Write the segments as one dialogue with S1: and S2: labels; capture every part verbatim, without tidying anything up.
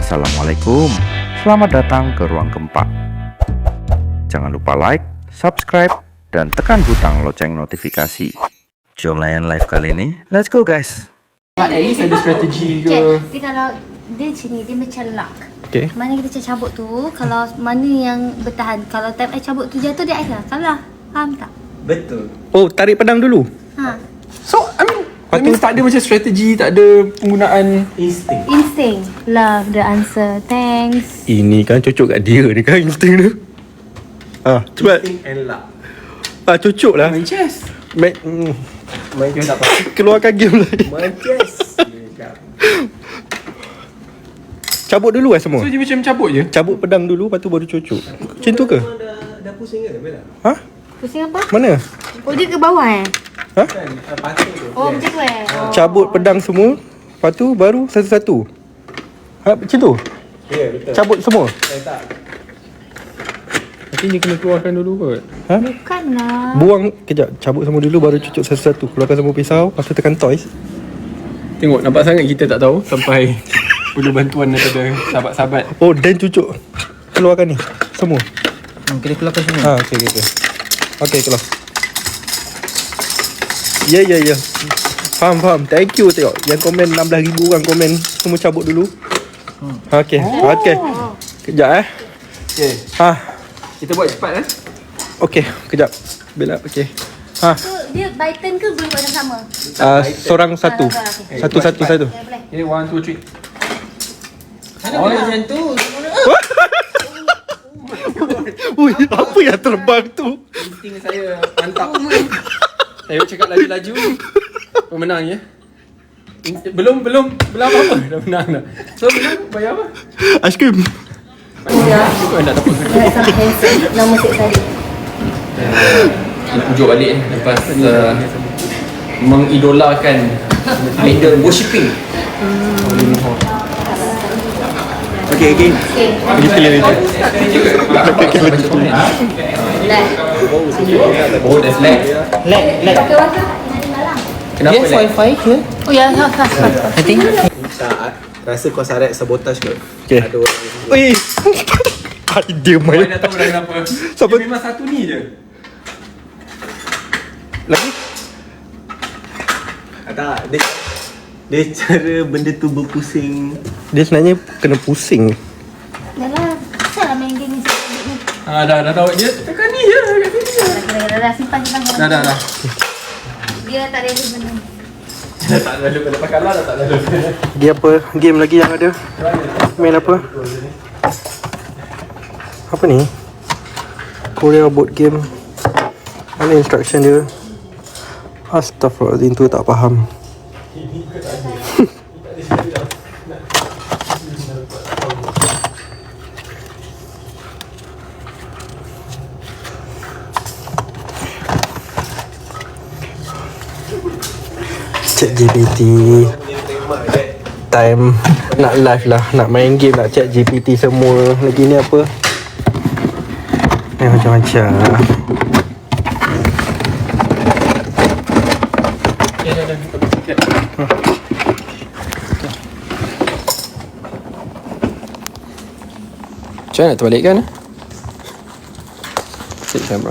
S1: Assalamualaikum, selamat datang ke Ruang Keempat. Jangan lupa like, subscribe, dan tekan butang lonceng notifikasi. Jom layan live kali ini, let's go guys.
S2: At least ada strategi ke?
S3: Dia kalau dia macam ni, dia macam lock.
S2: Okay.
S3: Mana kita cabut tu, kalau mana yang bertahan. Kalau time I cabut tu jatuh, dia I lah. Salah. Faham tak?
S4: Betul.
S2: Oh, tarik pedang dulu.
S3: Ha.
S2: So, I mean, Lepas tu tak ada macam strategi, tak ada penggunaan
S4: Insting.
S3: Instinct. Love the answer. Thanks.
S2: ini kan cocok kat dia ni kan insting tu. Ah, cepat.
S4: Insting and luck.
S2: Ah, cocok lah.
S4: Main chess.
S2: Main, mm,
S4: Main chess tak apa.
S2: keluarkan game lah.
S4: Main chess.
S2: Cabut dulu lah semua.
S5: So dia macam cabut je?
S2: Cabut pedang dulu, lepas tu baru cocok. Macam tu ke?
S4: Dah, dah pusing ke Bella?
S2: Ha?
S3: Pusing apa?
S2: Mana?
S3: Oh, dia ke bawah eh?
S2: Ha?
S4: Kan uh, patung tu.
S3: Oh, macam tu eh? Oh.
S2: Cabut pedang semua, lepas tu baru satu-satu. Ha, macam tu?
S4: Ya, yeah, betul.
S2: Cabut semua?
S4: Eh, tak.
S5: Nanti dia kena keluarkan dulu kot.
S2: Ha?
S3: Bukanlah.
S2: Buang, kejap. Cabut semua dulu, baru cucuk satu-satu. Keluarkan semua pisau, lepas tu tekan toys.
S5: Tengok, nampak sangat kita tak tahu sampai perlu bantuan daripada sahabat-sahabat.
S2: Oh, dan cucuk. Keluarkan ni, semua.
S4: Hmm, kena keluarkan semua.
S2: Ha, okey, okey, okey. Okey, keluar. Ya, ya, ya. Faham, faham. Thank you, tengok. Yang komen enam belas ribu orang komen. Semua cabut dulu. Ha, okey, okey. Kejap eh.
S5: Okay,
S2: Ha,
S5: kita buat cepat eh.
S2: okey, kejap. Bella, okey. Ha,
S3: So, dia by turn ke boleh buat sama?
S2: uh, seorang satu.
S3: Ah, okey.
S2: Satu, satu, satu.
S3: Boleh, boleh.
S5: Okay, one, two, three.
S4: Oh, macam tu.
S2: Ui, apa yang terbang tu?
S5: Insting saya mantap. Saya cakap laju-laju. Pemenang ya. In- Belum, belum, belum apa-apa. Dah menang dah. So, menang bayar apa?
S2: Aiskrim.
S5: Kau nak dapat
S3: Nama six tadi.
S5: nak tunjuk balik eh, lepas uh, mengidolakan idol worshipping.
S2: Okey, okey.
S3: Okay.
S2: Kita lihat itu.
S5: Oh, that's lag.
S4: Lag, lag.
S3: Okay, waktu.
S5: Kenapa
S4: Yes,
S5: lag?
S4: wifi ke?
S3: Oh, ya, ya, ya.
S4: I think. Tak, rasa kau sarat sabotage ke?
S2: Okey.
S4: Ada orang yang
S2: Ui. Dia
S5: Kau
S2: main.
S5: dah tahu dah kenapa.
S2: Siapa?
S5: Dia memang satu ni je.
S2: Lagi?
S4: Ah, tak, dia dia cara benda tu berpusing.
S2: Dia sebenarnya kena pusing.
S3: Dah lah. Kenapa lah main game ni sikit ni?
S5: Ah, dah, dah tahu. Dia tekan ni je. Kat sini je.
S3: Dah, dah, dah, dah, simpan, simpan.
S5: Dah, dah, dah.
S3: Dia tak ada benda.
S5: Dah tak lalu. Dah lepas kalah dah tak lalu.
S2: Dia apa? Game lagi yang ada? Main apa? Apa ni? Korea board game. Mana instruction dia? Astaghfirullahaladzim, tu tak faham. Chat G P T. Time nak live lah, nak main game, nak chat G P T semua. Lagi ni apa? Ni macam-macam.
S5: Macam mana nak terbalikkan? Set camera.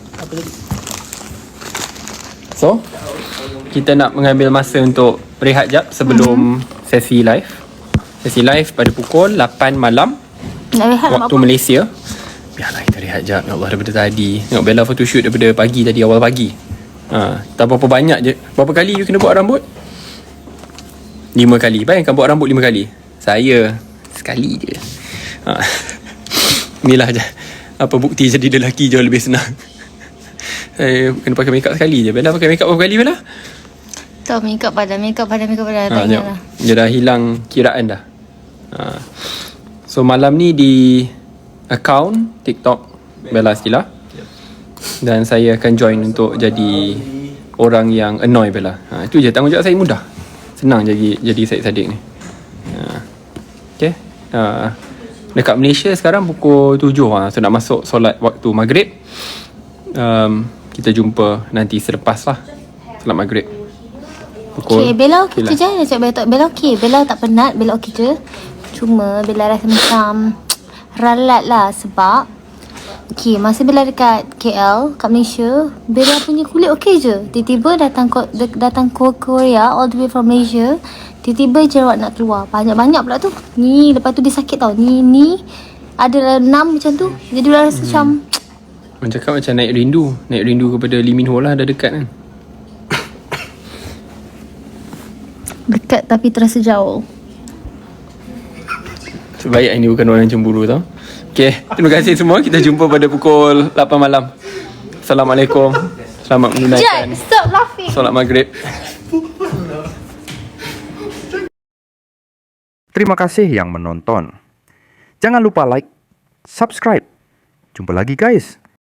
S5: So, kita nak mengambil masa untuk berehat jap sebelum mm-hmm. sesi live. Sesi live pada pukul lapan malam
S3: Nak rehat nak
S5: waktu
S3: apa?
S5: Malaysia. Biarlah kita rehat jap. Ya Allah, daripada tadi. Tengok Bella photoshoot daripada pagi tadi, awal pagi. Ha, tak berapa banyak je. Berapa kali you kena buat rambut? Lima kali. Bayangkan buat rambut lima kali. Saya sekali je. Ha. Inilah je apa bukti jadi lelaki jauh lebih senang. Saya kena pakai makeup sekali je. Bella pakai makeup berapa kali Bella?
S3: Tak, makeup pada, makeup pada, makeup pada. Tak
S5: Ha,
S3: ingat
S5: tengok.
S3: lah.
S5: Dia dah hilang kiraan dah. Ha. So malam ni di account TikTok Bella Stila. Dan saya akan join untuk jadi orang yang annoy Bella. Ha, itu je, tanggungjawab saya mudah. Senang jadi jadi Syed Saddiq ni. Ha. Okay. Ha. Dekat Malaysia sekarang pukul tujuh ha. So nak masuk solat waktu maghrib. um, Kita jumpa nanti selepas lah solat maghrib. Pukul
S3: Okay, Bella okey
S5: lah.
S3: je. Nak cakap Bella tak, Bella okey. Bella tak penat, Bella okey je. Cuma Bella rasa macam ralat lah sebab okay, masa Bella dekat K L, kat Malaysia, Bella punya kulit okey je. Tiba-tiba datang ko- datang ke Korea all the way from Malaysia, tiba-tiba jerawat nak keluar. Banyak-banyak pula tu. Ni, lepas tu dia sakit tau. Ni, ni ada enam macam tu. Jadi Bella rasa hmm. macam
S5: Orang cakap macam naik rindu. Naik rindu kepada Lee Min Ho lah, dah dekat kan.
S3: dekat tapi terasa jauh.
S5: Sebaik ini bukan orang cemburu tau. Okay, terima kasih semua. Kita jumpa pada pukul lapan malam. Assalamualaikum. Selamat menunaikan
S3: Jad, stop laughing.
S5: solat maghrib.
S1: Terima kasih yang menonton. Jangan lupa like, subscribe. Jumpa lagi guys.